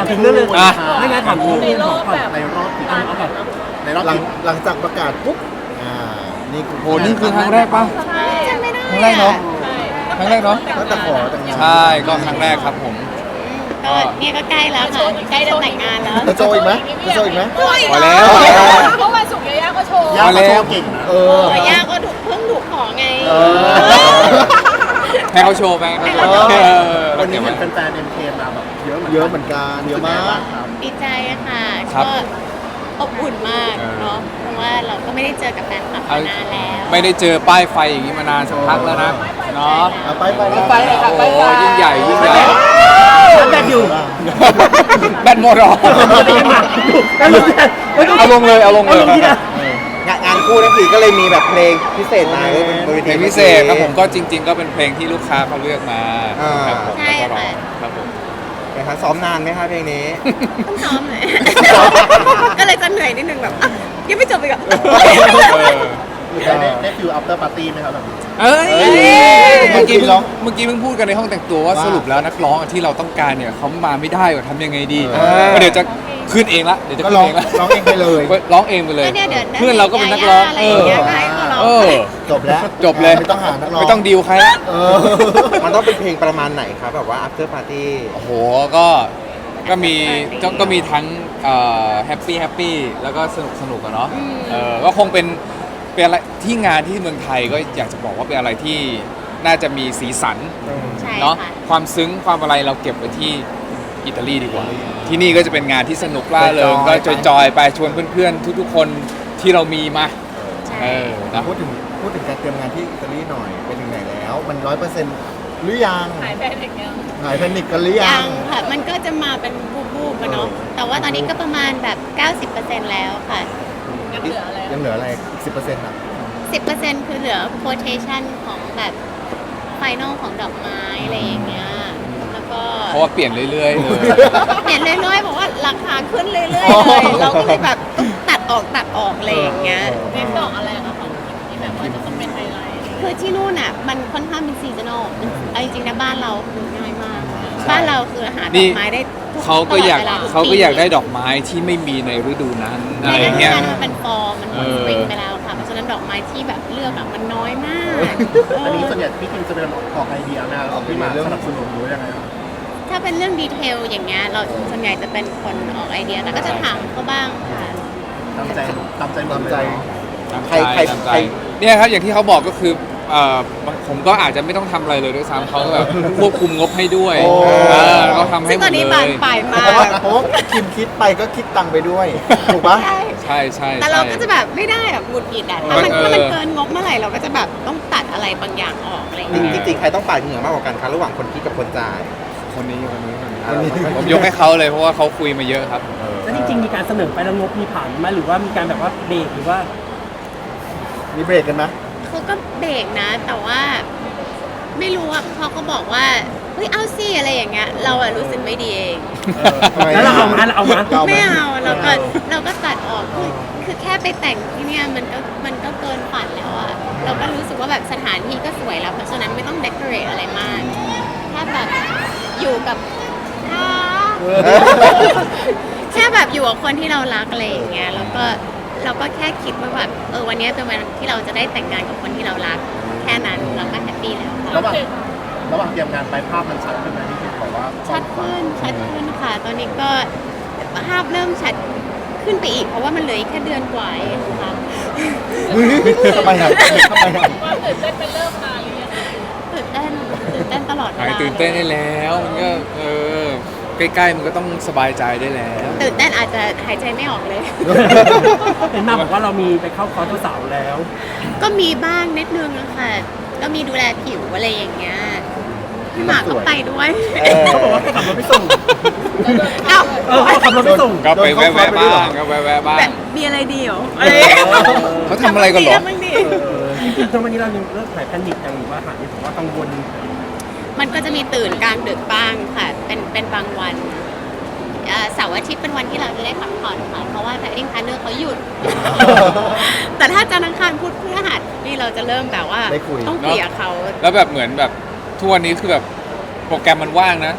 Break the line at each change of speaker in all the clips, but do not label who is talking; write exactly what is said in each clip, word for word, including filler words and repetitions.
ถึงเรื่องเลย
อ่ะ
ไม่งั้นถามถึง
ใน
เรื่อง
ร
ข
อ
อง
บ
ก่อน
แบบ
ในรอบ
เอาเอาก่อน
ในรอบ
หลังหลังจากประกาศปุ๊บอ่านี่คือ
โหนี่คือครั้งแรกปะ
ใช่
จำไม่ได้
ครั้งแรกเนาะ
ใช่
ครั้งแรกเนอะ
ตั้งแต่ขอแต่งงาน
ใช่ก็ครั้งแรกครับผม
ก็เนี่ยก็ใกล้แล้วค่ะใกล้จะแต่งงานแล้ว
จะโจอีกไหมจะโจอีกไหม
โอ้ย
พอแล้วพอแล้ว
เพราะวันศุกร์ยาย่าก็โชว์
ย่า
มาแล้
ก็
ว
โชว์เก่งนะ
เออ
แต่ย่าก็ถูกเพิ่งถูกขอไง
เออ
ให้เขาโชว์ไปให้เขาโชว์
เออ
เออ
วันนี้
เก็บ
เห็
ไว้
นแฟนๆเอ็มเคมาแบบเยอะเหมือน
เยอะเหมือนกันเยอะมาก
ครับ
ดีใจค่ะ
ครับ
ก็อบอุ่นมาก
เออ
เนาะเพราะว่าเราก็ไม่ได้เจอกับแฟนคลับมานานแล้ว
ไม่ได้เจอป้ายไฟอย่างนี้มานานสักพักแล้วนะเนาะ
เอาไปไป
ไปเลยค่ะไป
โอ้
ไป
ยิ่งใหญ่ยิ่งใหญ่
ทำแบบอยู่
แบตหมดเหรอ
แล้วลงที่ไหน
เอาลงเลยเอาลงเลย
เอาลงที่ไหน
งานงานคู่นั่นคือก็เลยมีแบบเพลงพิเศษมาด้วยบนเว
เพ
ที
ลงพิเศษครับผมก็จริง ๆ ก็เป็นเพลงที่ลูกค้าเขาเลือกมา
อ่า
ครับผม
ใช่
แล้วก็ร้อง
ค่ะ
ครับผม
นะครับซ้อมนานไหมคะเพลงนี้
ต้องซ้อมหน่อย ก็เลยจะเหนื่อยนิดนึงแบบอ่ะยังไม่จบอีกเหรอ
เออ
ได้ได้ได้ฟิลอัปเตอร์ปาร์ตี้ไหมครับแบบนี้
เอ้ย
เอ้ย
เมื่อกี้เพิ่ง
ร้อง
เมื่อกี้เพิ่งพูดกันในห้องแต่งตัวว่า
ว่า
สรุปแล้วนักร้องที่เราต้องการเนี่ยเขามาไม่ได้ว่าทำยังไงดี
เออ
ก็เดี๋ยวจะขึ้นเองละเดี๋ยวจะ
ก็
ขึ้น
ร้อง
เองละ
ร้องเองไปเลย
ร้องเองไปเลย
ก็เนี่ยเดี๋ยว
เพื่อนเราก็เป็นนักร้อง
อะไร
เอ
อย่าง
อ
เงี้ยก็ให้เขาร้อง
เออ
จบแล้ว
จบเลย
ไม่ต้องหานักร้อง
ไม่ต้องดีลใครละ
เออมันต้องเป็นเพลงประมาณไหนครับแบบว่า after party
โอ้โหก็ก็มีก็ก็มีทั้งแฮปปี้แฮปปี้แล้วก็สนุกสนุกอะเนาะเออก็คงเป็นเป็นอะไรที่งานที่เมืองไทยก็อยากจะบอกว่าเป็นอะไรที่น่าจะมีสีสัน
ใช่
เนาะ
ค่ะ
ความซึ้งความอะไรเราเก็บไว้ที่อิตาลีดีกว่า ที่นี่ก็จะเป็นงานที่สนุกล่าเริงก็จอยๆไปชวนเพื่อนๆ ทุกๆคนที่เรามีมา
ใช่
เออนะ
พูดถึงพูดถึงการเตรียมงานที่อิตาลีหน่อยไปถึงไหนแล้ว มันร้อยเปอร์เซ็นต์หรือยัง
หายไปอย่างเงี้ย
หายแพนิคกันหรือยั
ยัง งค่ะ มันก็จะมาเป็นบูบๆอะเนาะ แต่ว่าตอนนี้ก็ประมาณแบบ เก้าสิบเปอร์เซ็นต์ แล้วค่ะ
ยังเหลืออะไร
ยังเหลืออะไรอีกสิบเปอร์เซ็นต์อ่ะ
สิบเปอร์เซ็นต์ คือเหลือ quotation ของแบบไฟนอลของดอกไม้อะไรอย่างเงี้ย แล้วก็
เพราะว่าเปลี่ยนเรื่อยๆเลย
เห็นเรื่อยๆบอกว่าราคาขึ้นเรื่อยๆเลย เราก็เลยแบบต้องตัดออกตัดออกอะไรอย่างเงี้ย
เน้นดอกอะไรอะของที่แบบว่าจะต้องเป็นไฮไลท์
คือที่นู่นอ่ะมันค่อนข้างเป็นซีซันอลเอาจริงๆนะบ้านเราคือง่ายมาก บ้านเราคือหาดอกไม้ได้ทุก
เขาก็อยาก
ตลดวลทุ
เขาก็อยากได้
ปี
ดอกไม้ที่ไม่มีในฤดูนั้นอะ
ใน
ไร
ฤดู
เงี้ย
นั้นมันเป็นฟอร์มันหมด
เออ
สปริงไปแล้วค่ะ เพราะฉะนั้นดอกไม้ที่แบบเลือกอะมันน้อยมาก
อันนี้
เออ
ส่วนใหญ่พี่คิมจะเป็นออกไอเดียนะออกที่มาสนับสนุนหรือยังไงครับ
ถ้าเป็นเรื่องดีเทลอย่างเงี้ยเราส่วนใหญ่จะเป็นคนออกไอเดียแล้วก็จะถามเขาบ้างค่ะ
ตามใจตามใจหมด
ตาม
เลย
ใจ
เนาะ
ตาม
ใคร
ใจ
ใคร
ตามใจ
ใคร
เนี่ยครับอย่างที่เขาบอกก็คือเอ่อผมก็อาจจะไม่ต้องทำอะไรเลยด้วยซ้ำเขาก็แบบควบคุมงบให้ด้วย
โอ้
เออเขาทำให้
ซึ่ง
หม
ตอน
ดเล
นี้บาน
ย
ปลายมา
เพราะว่าก
ใ
เพราะว่าคิมคิดไปก็คิดตังค์ไปด้วย ถูกปะ
ช่
ใช่ใช่
แต่เรา
ใช่
ก็จะแบบไม่ได้แบบหงุดหงิดอะถ้ามัน
เออ
ถ้ามันเกินงบเมื่อไหร่เราก็จะแบบต้องตัดอะไรบางอย่างออกอะไรอย่างเงี้ย
จริงๆใครต้องปาดเหงื่อมากกว่ากันคะระหว่างคนคิดกับคนจ่าย
คนนี้คนนี้คนนี้
คนนี้
ผมยกให้เขาเลยเพราะว่าเขาคุยมาเยอะครับ
แล้วจริงๆมีการเสนอไปแล้วงบมีผ่านไหมหรือว่ามีการแบบว่าเบรกหรือว่า
มีเบรกกันนะ
เขาก็เบรกนะ แต่ว่าไม่รู้อ่ะเขาก็บอกว่าเฮ้ยเอาสิอะไรอย่างเงี้ยเราอะรู้สึกไม่ดีเอง
ทำไม
แล้วเราเอามาเราเอามา
เอาไหม
ไม่เอาเราก็
ไม่เอา
เราก็ตัดออกคือคือแค่ไปแต่งที่เนี่ยมันก็มันก็เกินฝันแล้วอะเราก็รู้สึกว่าแบบสถานที่ก็สวยแล้วเพราะฉะนั้นไม่ต้องเดคอเรทอะไรมากแค่แบบอยู่กับอ่าแค่แบบอยู่กับคนที่เรารักอะไรอย่างเงี้ยแล้วก็เราก็แค่คิดว่าแบบเออวันนี้เป็นวันที่เราจะได้แต่งงานกับคนที่เรารัก แค่นั้นเราก็แฮปปี้แล้วค่ะ
ระหว่างระหว่างเตรียมงานไปภาพมันชัดขึ้นไหมที่คิมบอกว่า
ชัดขึ้นชัดขึ้นค่ะ ตอนนี้ก็ภาพเริ่มชัดขึ้นไปอีก เพราะว่ามันเหลืออีกแค่เดือนกว่าเองค่ะ
ทำไมอ่ะทำไมอ่ะ
ความตื่นเต้นเป็นเริ่มมาหรือยัง
ตื่นเต้นตื่นเต้นตลอดเว
หาย
ลา
ตื่นเต้นได้แล้วมันก็เออใกล้ๆมันก็ต้องสบายใจได้แล้ว
ตื่นเต้นอาจจะหายใจไม่ออกเลย
เห็นมาบอกว่าเรามีไปเข้าคอร์สเจ้าสาวแล้ว
ก็มีบ้างนิดนึงอะค่ะ ก็มีดูแลผิวอะไรอย่างเงี้ยพี่หมากก็ไปด้วย
เออ
เขาบอกว่าให้ขับรถไปส่ง
เอ้า
เออเขาขับรถไปส่ง
ก็ไปแวะ
โดนเข้าคอร์สไปด้วย
ๆ
เหรอ
บ้างก็แวะๆบ้าง
แบบมีอะไรดีเหรออะไรอย่างเงี้ย
เขาทำอะไรกันเหรอ
ทำบ้างดิ
จริงๆตอนวันนี้เรายังเลิกถ่ายแพนิคยังหรือว่าหายผมว่ากังวล
มันก็จะมีตื่นกลางดึกบ้างค่ะ เป็นเป็นบางวันเอ่อเสาร์อาทิตย์เป็นวันที่เราจะได้พักผ่อนค่ะ เพราะว่าแพดดิ้งพาร์เนอร์เขาหยุด แต่ถ้าจันทร์อังคารพุธพฤหัสนี่เราจะเริ่มแบบว่า
ได้คุย
ต้องคุยกับเขา
แล้วแบบเหมือนแบบทุกวันนี้คือแบบโปรแกรมมันว่างนะ แ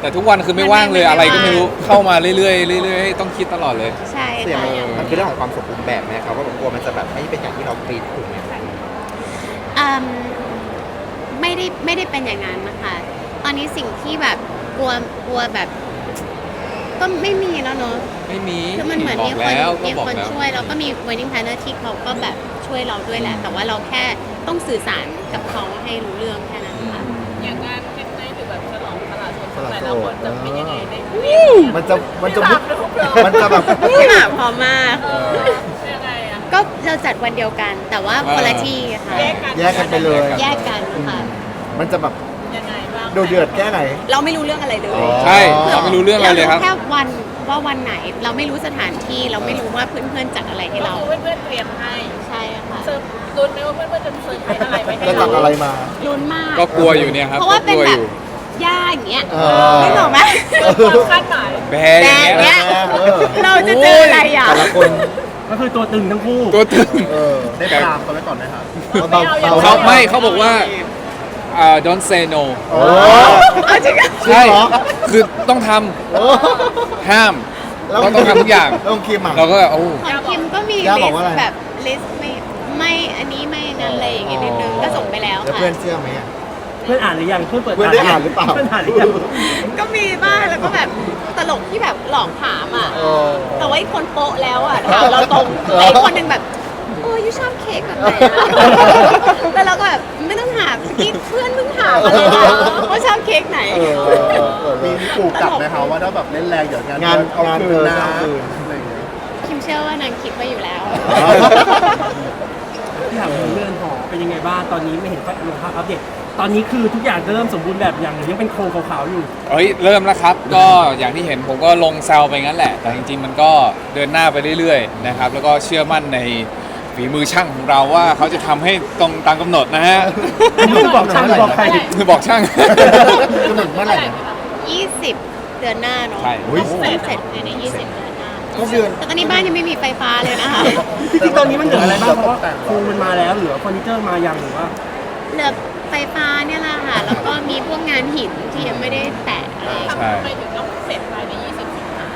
แต่ทุกวันคือไม่ว่างเลยอะไรก็ไม่รู้เข้ามาเรื่อยๆเรื่อยๆต้องคิดตลอดเลย
ใช่
เสี่ยง
ค่ะ
มันคือเรื่องของความสมบูรณ์แบบไหมครับว่าแบบกลัวมันจะแบบไม่เป็นอย่างที่เราคิดถูกไหม
อืมไม่ได้ไม่ได้เป็นอย่างนั้นนะคะ ตอนนี้สิ่งที่แบบกลัวกลัวแบบ ก็ไม่มีแล้วเนอะ
ไม่มี
คือมันเหมือน
บอ
มี
ก
คน
แล้วก็
มี
บอก
คน
แล้ว
ช่วยแล้วก็มี wedding planner ที่เขาก็แบบช่วยเราด้วยแหละ แต่ว่าเราแค่ต้องสื่อสารกับเขาให้รู้เรื่องแค่นั้นค่ะ
อย่างงานเก็ตไนท์หรือแบบฉลองตลาดสดแต่ละคนจะเป็นยังไงใน
มันจะมันจะ
สามรูปเลย
มันจะแบบ
พี่หมากพร้อมมาก
เออยังไงอะ
ก็เราจัดวันเดียวกัน แต่ว่าคนละที่ค่ะ
แยกกัน
แยกกันไปเลย
แยกกันค่ะ
มันจะแบบ
ยังไงบ้าง
ดูเดือดแค่ไหน
เราไม่รู้เรื่องอะไรเลย
อ๋อ
ใช่เราไม่รู้เรื่องอะไรเลยครับ
แค่วันว่าวันไหน เราไม่รู้สถานที่เราไม่รู้ว่าเพื่อนๆจัดอะไรให้
ก็
เรา
คือเพื่อนๆเตรียมให้
ใช่ค่ะ
เซิร์ฟลุ้นไหมว่าเพื่อนๆจะเซิร์ฟให้อะไรไปให้
จะจัดอะไรมา
ลุ้นมาก
ก็กลัวอยู่เนี่ยครับ
เพราะว่า
ก็
เป็น
กลัว
แบ
อบ ยู่
ย่าอย่างเงี้ย
เออ
ไม่บอกไหม
ความคาดหมาย
แบร์อย่างเงี้ย
แบร์
นะ
เออ
เราจะเจออะไรอ่ะ
แต่ละคน
ก็คือตัวตึงทั้งคู่
ตัวตึง
เออ
ได้ปรามเขาไว้ก่อนไหมครับ
เบาๆ
ไม่เอา
เบา
เขาไม่เขาบอกว่าอ่า don't say no
โอ้
เอาจริงอ่ะ
ใช่
จริงเหรอ
คือต้องท
โอ้
ำห้าม
แล้ว
เราต้องทำทุกอย่าง
ต้องคิมอ่ะ
เราก็แบบโอ้
ของคิมก็มี
ย่า
ลิ
บอก
ส
ว่าอะไร
ต์แบบลิสต์ไม่ไม่อันนี้ไม่นั้นอะไรอย่างเงี้ยนิดนึงก็ส่งไปแล้ว
แล้ว
ค่ะ
เพื่อนเชื่อไหมอ่ะ
เพื่อนอ่านหรือยังเพื่อนเปิด
เพื่อนได้อ่านหรือเปล่า
เพื่อนอ่านหรือยัง
ก็มีบ้างแล้วก็แบบตลกที่แบบหลอกถามอ่ะ
เออ
แต่ว่าอีกคนโป๊ะแล้วอ่ะถามเราตรงแต่อีกคนหนึ่งแบบเออยูชอบเค้กแบบไหนอะแล้วเราก็แบบไม่ต้องถามเมื่อกี้เพื่อนเพิ่งถามมาเลยนะว่าชอบเค้กไหน
เออเออเออ
มีมีขู่กลับไหมครับว่าถ้าแบบเล่นแรงเดี๋ยวงาน
งาน
เอา
งาน
คื
เกิ
น
น
นะ
เอาคืน
อะไรอย่างเงี้ย
คิมเชื่อว่านางคิดไว้อยู่แล้ว
ที่ถามถึงเรื่องหอเป็นยังไงบ้างตอนนี้ไม่เห็นไฟลงภาพอัปเดตตอนนี้คือทุกอย่างเริ่มสมบูรณ์แบบอย่างหรือยังเป็นโครงขาวๆอยู่
เอ้ยเริ่มแล้วครับ ก็อย่างที่เห็นผมก็ลงแซวไปงั้นแหละ แต่จริงๆมันก็เดินหน้าไปเรื่อยๆนะครับแล้วก็เชื่อมั่นในฝีมือช่างของเราว่าเขาจะทำให้ตรงตามกำหนดนะฮะ
อันนี้คือบอกช่างหรือบอกใคร
คือบอกช่าง
กำหนดเมื่อไหร่นะ
ยี่สิบเดือนหน้าเนาะ
ใช่
อุ๊ย
ต้องเสร็จภายในยี่สิบเดือนหน้า
ก็เดือน
แต่ตอนนี้บ้านยังไม่มีไฟฟ้าเลยนะคะ
จริงๆตอนนี้มันเหลืออะไรบ้างเพราะว่าโครงมันมาแล้วเหลือเฟอร์นิเจอร์มายังหรือว่า
เหลือไฟฟ้าเนี่ยแหละค่ะ แล้วก็มีพวกงานหินที่ยังไม่ได้แตะอะไรอย่างเงี้ย
ใช่
ทำไมถึงต้องเสร็จภายในยี่สิบสิงหา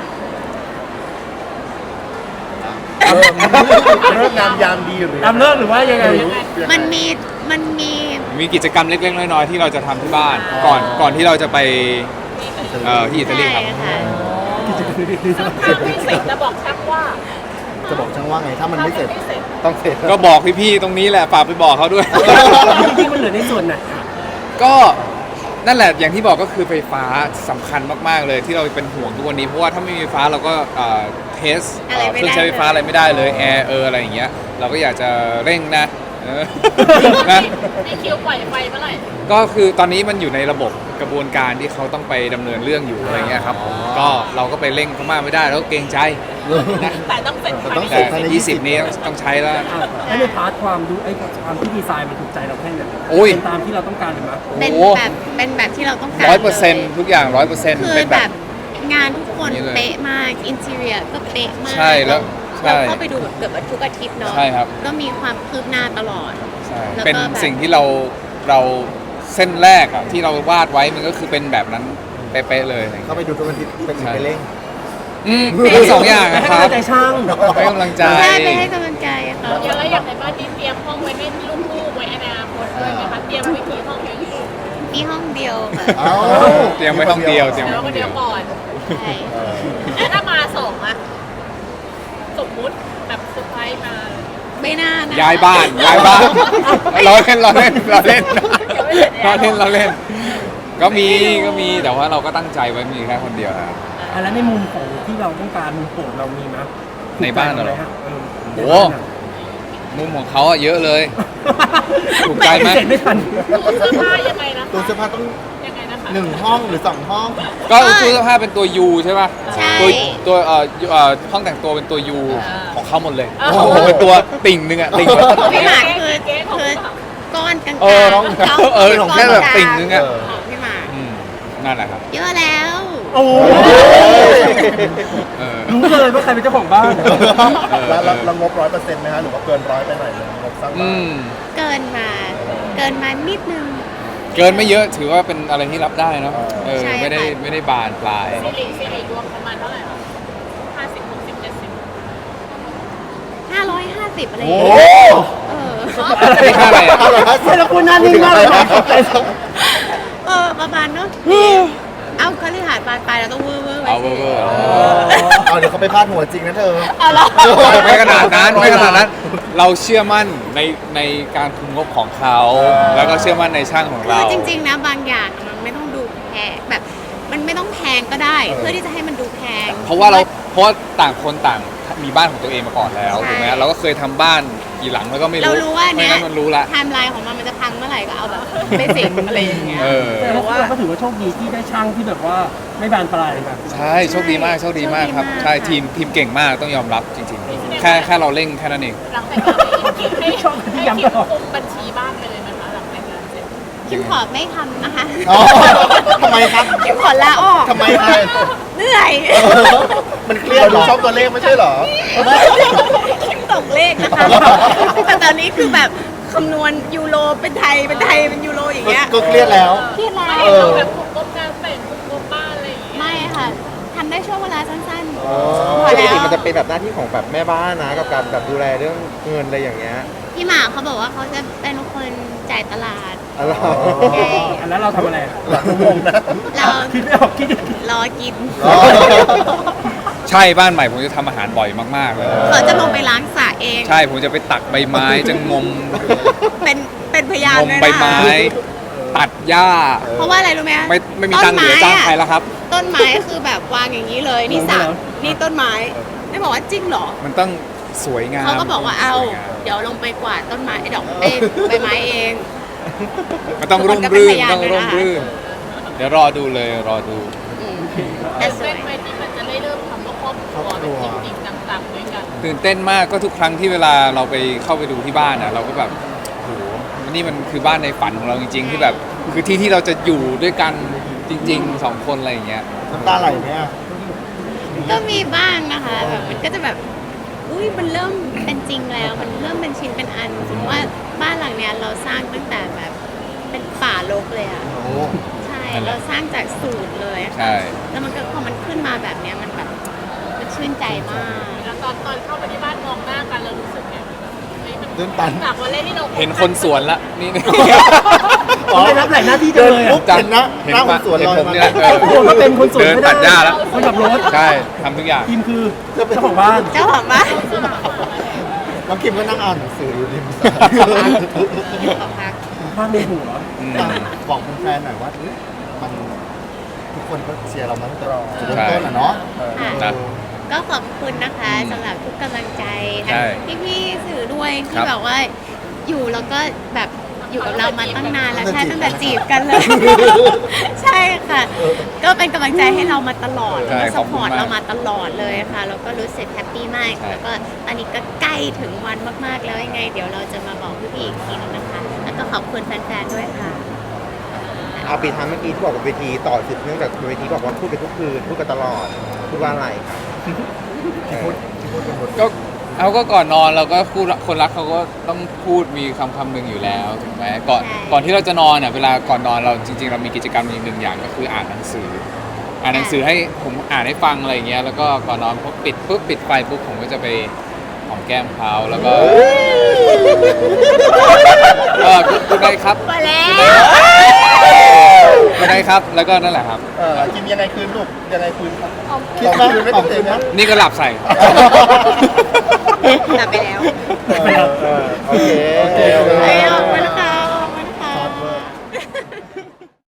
เลิกงามยามดีหรือ
ตามเลิกหรือว่ายังไง
มันมีมันมี
มีกิจกรรมเล็กๆน้อยๆที่เราจะทำที่บ้าน ก่อนก่อนที่เราจะไปเอ่อที่อิตาลี
ใช่
ครับ
ค่ะ
ถ้าไม่เสร็จจะบอกช่างว่า
จะบอกช่างว่าไงถ้ามันไม่เสร็จ
ถ้าไม่เสร็จ
ต้องเสร็จ
ก็บอกพี่ๆตรงนี้แหละฝากไปบอกเขาด้วย
จริงๆมันเหลือในส่วนไหน
ก็นั่นแหละอย่างที่บอกก็คือไฟฟ้าสำคัญมากๆเลยที่เราเป็นห่วงทุกวันนี้เพราะว่าถ้าไม่มีไฟฟ้าเราก็เอ่อเทสเอ่อเครื่องใช้ไฟฟ้าอะไรไม่ได้เลยแอร์เอออะไรอย่างเงี้ยเราก็อยากจะเร่งนะเออนะ
นี่คิวปล่อยไฟเมื่อไหร่
ก็คือตอนนี้มันอยู่ในระบบกระบวนการที่เขาต้องไปดำเนินเรื่องอยู่อะไรเงี้ยครับผมก็เราก็ไปเร่งเขามากไม่ได้แล้วก็เกรงใจนะ
แต่ต้องเสร็จภาย
ต้อง
ใน
เสร็
แต่
จภายใน
ยี่สิบนี้ต้องต้องใช้แล้ว
อ่ะแล้วในพาร์ทความดูไอ้ความที่ดีไซน์มันถูกใจเราแค่ไหน
โอ้ย
เป็นตามที่เราต้องการหรือเปล่า
เป็นแบบเป็นแบบที่เราต้องการ
ร้อยเปอร์เซ็นต์ทุกอย่างร้อยเปอร์เซ็นต์
คือ
เป็น
แบ
แบบ
บงานทุกคน
นี่เลย
เป๊ะมากอินเท i รียก็เป๊ะมาก
ใช่แล้วใช่
เราเข้าไปดูแบบเกือบทุกอาทิตย์เนาะ
ใช่ครับ
ก็มีความคืบหน้าตลอด
ใช่
แล้วก็
เป็น
แบบ
สิ่งที่เราเราเส้นแรกอะที่เราวาดไว้มันก็คือเป็นแบบนั้นเป๊ะๆเลย
เข้าไปดูทุกอาทิตย์เป็น
ใช่
ไปเร่ง
อืมทั้งสองอย่าง
ให้
นะค
กำ
รั
ลั
บ
งใจช่าง
ให้กำลังใจ
ใช่ไปให้กำลังใจค่ะ
แล้วอย่างในบ้านที่เตรียมห้องไว้ให้ลูกๆไว้ในอนาคตด้วยไหมคะเตรียมไว้กี่ห้องเอง
มีห้องเดียวค่ะ
เอ้า
เตรียมไว้ห้องเดียวเตรียม
แล้
ไว้
ว
ห้
ก็
อง
เดี
เดี
ย
ยว ว
ก่อน
ใช่
เออ
แล้วถ้ามาสองอะสมมุติแบบเซอร์ไพรส์มา
ไม่น่านะ
ย้ายบ้านย้ายบ้านเราเล่นเราเล่นเราเล่นเราเล่นเราเล่น ก็มีก็มีแต่ว่าเราก็ตั้งใจไว้มีแค่คนเดียวครับ
อ่ะแล้วในมุมของที่เราต้องการมุมโปรดเรามีไหม
ในบ้านเหรอ
ถูกใจไมฮะเออ
โอ้ มุมของเขาอะเยอะเลย ถูกใจไหม
เสร็จไม่ทัน
ตู้เสื้อผ้ายังไงนะ
ตู้เสื้อผ้าต้อง
ยังไงนะคะ
หนึ่งห้องหรือสองห้อง
ก็ตู้เสื้อผ้าเป็นตัว U ใช่ป่ะ
ใช่
ตัวตัวเอ่อเอ่อห้องแต่งตัวเป็นตัว U ของเขาหมดเลย
อ่า
ของผมเป็นตัวติ่งหนึงอะติ่งแบบ
พี่หมากคือคือก้อนกลางๆ
เออน้อง
ก้น
เออของแค่แบบติ่งนึงอะ
เออ
ของพี่หมาก
อืมนั่นแหละครับ
เยอะแล้ว
โอ้
เออ
รู้เลยว่าใครเป็นเจ้าของบ้าน
แล้วแล้วแล้วงบร้อยเปอร์เซ็นต์ไหมฮะหรือว่าเกินร้อยไปหน่อยนึงงบสร้าง
อื
บ้าน
ม
เกินมา เกินมานิดนึง
เกินไม่เยอะถือว่าเป็นอะไรที่รับได้เนาะเออ
ใช่
ไม่ได้
ค่ะ
ไม่ได้บานปลาย
สิริสิริรวมประมาณเท่าไหร่คะห้าสิบหกสิบเจ็ดสิบ
ห้าร้อยห้าสิบอะไรอ
โอ้
ย่างเงี้ยเออ
ไม่ค่าอะไรอะ
ใช่แล้วคุณหน้านิ่งมากเลยนะ
เออประมาณเนาะเอ้าคฤหาสน์บานปลายเราต้องเวอร์เวอร์ไว้
เอา
สิ
เวอร์ๆ
เอาเดี๋ยวเขาไปพาดหัวจริงนะเธอ
เอาเหรอ
ไม่ขนาดนั้นไม่ขนาดนั้น เราเชื่อมั่นในในการคุมงบของเขา แล้วก็เชื่อมั่นในช่างของ
คื
เรา
อจริง ๆ นะบางอย่างมันไม่ต้องดูแพงแบบมันไม่ต้องแพงก็ได้ เพื่อที่จะให้มันดูแพง
เพราะว่าเราเพราะว่าต่างคนต่างมีบ้านของตัวเองมาก่อนแล้ว
ใช่
ถูกไหมเราก็เคยทำบ้านกี่หลังแล้วก็ไม่รู้
เรารู้ว่า
เพราะ
เนี้ย
ฉะนั้นมันรู้ละ
ไทม์ไลน์ของมันมันจะพังเมื่อไหร่ก็เอาแบบเบสิกอะไรอย่างเงี้ย
เออ
แต่ว่าเราก็ถือว่าโชคดีที่ได้ช่างที่แบบว่าไม่บานปลายแบบ
ใช่โชคดีมากโชคดีมากครับ
โชคดีมาก
ใช่ทีมทีมเก่งมากต้องยอมรับจริงๆ แค่แค่เราเร่งแค่นั้นเอง
หลังแต่งงานให้คิดให้ให้คิดคุมบัญชีบ้านไปเลยไหมคะหลังแต่งงานเสร็จ
คิมขอไม่ทำนะคะ
อ๋อทำไมครับ
คิมขอลาออก
ทำไมครับ
เหนื่อย
มันเครียดเหรอชอบตัวเลขไม่ใช่เหรอ
คิมตกเลขนะคะแต่ตอนนี้คือแบบคำนวณยูโรเป็นไทยเป็นไทยเป็นยูโรอย่างเงี้ย
ก็เครียดแล้ว
เครียดแล้
ไม่
ว
ได้เราแบบคุมงบงานแต่งคุมงบบ้านอะไรอย่างเงี้ย
ไม่ค่ะทำได้ช่วงเวลาสั้นๆ
อ๋อ
พอ
ปก
แล้
ติ
ว
มันจะเป็นแบบหน้าที่ของแบบแม่บ้านนะกับการแบบดูแลเรื่องเงินอะไรอย่างเงี้ย
พี่หมาเขาบอกว่าเขาจะเป็นคนจ่ายตลาด
อะไร
ใช่
อันนั้นเราทำอะไร
หลังงงนะ
เรา
คิดไม่ออกคิดอีก
รอกิน
อ๋อ
ใช่บ้านใหม่ผมจะทำอาหารบ่อยมากๆเลย
เขาจะลงไปล้างสระเอง
ใช่ผมจะไปตักใบไม้จะงม
เป็นเป็นพยาน
งม
ด้วย
ใบ
นะ
ไม้ ตัดหญ้า
เพราะว่าอะไรรู้ไหม
ไม่ไม่มีตังค์เหลือจ้างใครแล้วครับ
ต้นไม้คือแบบวางอย่างนี้เลยนี่สระนี่ต้นไม้ได้บอกว่าจริงเหรอ
มันต้องสวยงาม
เขาก็บอกว่าเอา
สยงม
เดี๋ยวลงไปกวาดต้นไม้ไอ้ดอกเอ้ยใบไม้เอง
มันต้อง
ทุกค
ร่
น
ม
ก็เป็น
รื่น
พยาน
ต้อง
ด้วย
ร่
นะ
ม
คะ
รื่น เดี๋ยวรอดูเลยรอดู
อืม
แต่
แต่สว
เส้
ย
นไปที่มันจะได้เริ่มทำว่าครอบครัวแบบจริงๆจังๆด้วยกัน
ตื่นเต้นมากก็ทุกครั้งที่เวลาเราไปเข้าไปดูที่บ้านอ่ะเราก็แบบโหนี่มันคือบ้านในฝันของเราจริง ๆ ที่แบบคือที่ที่เราจะอยู่ด้วยกันจริงๆสองคนอะไรอย่างเงี้ย
น้ำตาไหลไหมอ่ะ
ก็มีบ้างนะคะแบบมันก็จะแบบอุ้ยมันเริ่มเป็นจริงแล้ว มันเริ่มเป็นชิ้นเป็นอันสมมติว่าบ้านหลังเนี้ยเราสร้างตั้งแต่แบบเป็นป่ารกเลยอะ
โอ้
ใช่เราสร้างจากศูนย์เลยอะ
ใช่
แล้วมันก็พอมันขึ้นมาแบบเนี้ยมันแบบมันชื่นใจมาก
แล้วตอนตอนเข้าไปที่บ้านมองหน้ากันเรารู้สึกไงเฮ้ยมัน
ตื่นตัน
จากวันแรกที่เรา
เห็นคนสวนละนี่
อ๋อไปรับแหล่งหน้าที่จังเลยอ่ะ
ปุ๊บเห็นนะหน้าคนสวนลอย
เห็นผม
มา
เนี่ยเออ
โอ้โหมาเป็นคนสวน
เดิน
ไม่
ตัดหญ้าแล้ว
คนขับรถ
ใช่ทำทุกอย่าง
ทีมคือเจ้าของบ้าน
เจ้าของบ้าน
น้องคิมก็นั่งอ่านหนังสืออยู่ริมสระ
ขอพัก
บ้านในหัว
อืม
บอกแฟนๆหน่อยว่าเอ้ยมันทุกคนก็เชียร์เรามาตั้งแต่จุดเริ่มต้นอ่ะเนาะ
ค่ะ
นะ
ก็ขอบคุณนะคะ
อืม
สำหรับทุกกำลังใจ
ใช่
ทั้งพี่ๆสื่อด้วย
ค
ที่
รับ
แบบว่าอยู่แล้วก็แบบอยู่กับเรามาตั้งนานแล้ว
ตั้
ใช่
งแต่
ตั้งแต่
จี
จี
บบ กั
กัน
น
เลย ใช่ค่ะ ก็เป็นกำลังใจให้เรามาตลอด
ใช่
แล้วก็
ข
ส
อบ
ป
คุณ
อร์ต
มาก
เรามาตลอดเลยค่ะแล้วก็รู้สึกแฮปปี้มาก
ใช่
แล้วก็ตอนนี้ก็ใกล้ถึงวันมากๆแล้วยังไง เดี๋ยวเราจะมาบอกพี่ๆอีกทีนึงนะคะ แล้วก็ขอบคุณแฟนๆด้วยค่ะ
เอาปีท้ายเมื่อกี้ที่บอกว่าเวทีต่อสืบเนื่องจากเวทีบอกว่าพูดกันทุกคืนพูดกันตลอดพูดว่าอะไรครับ
ที่พูดที่พูดเป็นบท
ก็เอาก็ก่อนนอนเราก็คู่รักคนรักเขาก็ต้องพูดมีคำคำหนึ่งอยู่แล้วถูกไหมก่อน
ใช่
ก่อนที่เราจะนอนอ่ะเวลาก่อนนอนเราจริง ๆ เรามีกิจกรรมอีกหนึ่งอย่างก็คืออ่านหนังสือ อ่านหนังสือให้ผมอ่านให้ฟังอะไรอย่างเงี้ยแล้วก็ก่อนนอนพอปิดปุ๊บปิดไฟปุ๊บผมก็จะไปหอมแก้มเขาแล้วก็เออพูดได้ครับ
มาแล้ว
พูดได้ครับแล้วก็นั่นแหละครับ
เออคิมยังไงคืนลูกยังไงคืนครับคิดว่าคืนไม่เต็มนะ
นี่ก็หลับใส่
กลับไปแล้ว
เออเออโอเค
โอเค
เอ้ย